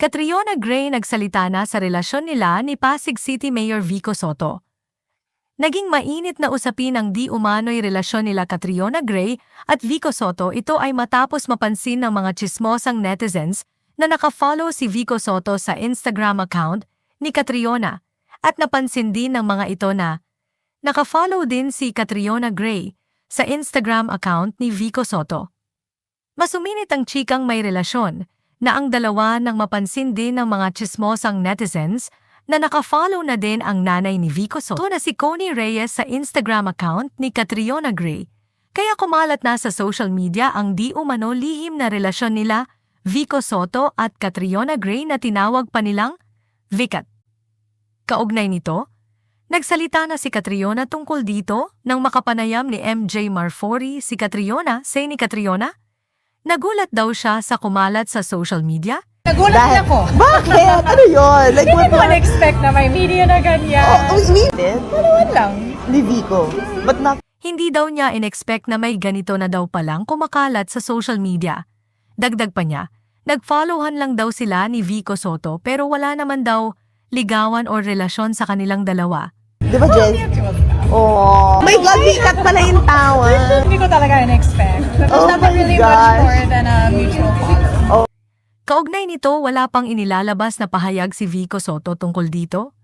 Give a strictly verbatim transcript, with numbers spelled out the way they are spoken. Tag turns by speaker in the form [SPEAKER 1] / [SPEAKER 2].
[SPEAKER 1] Catriona Gray nagsalita na sa relasyon nila ni Pasig City Mayor Vico Sotto. Naging mainit na usapin ang di umano'y relasyon nila Catriona Gray at Vico Sotto. Ito ay matapos mapansin ng mga tsismosang netizens na nakafollow si Vico Sotto sa Instagram account ni Catriona at napansin din ng mga ito na nakafollow din si Catriona Gray sa Instagram account ni Vico Sotto. Masuminit ang chikang may relasyon na ang dalawa nang mapansin din ng mga tsismosang netizens na nakafollow na din ang nanay ni Vico Sotto na si Connie Reyes sa Instagram account ni Catriona Gray. Kaya kumalat na sa social media ang di umano lihim na relasyon nila Vico Sotto at Catriona Gray na tinawag pa nilang Vicat. Kaugnay nito, nagsalita na si Catriona tungkol dito nang makapanayam ni M J Marfori si Catriona. Say ni Catriona, nagulat daw siya sa kumalat sa social media.
[SPEAKER 2] Nagulat din ako.
[SPEAKER 3] Bakit? Ano yun? Like,
[SPEAKER 2] Hindi
[SPEAKER 3] what
[SPEAKER 2] ko na-expect na may media na ganyan.
[SPEAKER 3] Oh, we, we did?
[SPEAKER 2] Palawan lang.
[SPEAKER 3] Ni Vico. But not...
[SPEAKER 1] Hindi daw niya in-expect na may ganito na daw palang kumakalat sa social media. Dagdag pa niya, nag-followan lang daw sila ni Vico Sotto pero wala naman daw ligawan o relasyon sa kanilang dalawa.
[SPEAKER 3] Di ba, Jen? Oh, my God, Vicat pala yung tawa.
[SPEAKER 2] Hindi ko talaga in-expect. There's
[SPEAKER 3] Oh
[SPEAKER 2] nothing
[SPEAKER 3] my
[SPEAKER 2] really
[SPEAKER 3] gosh.
[SPEAKER 2] much more than a mutual follow.
[SPEAKER 1] Kaugnay nito, wala pang inilalabas na pahayag si Vico Sotto tungkol dito.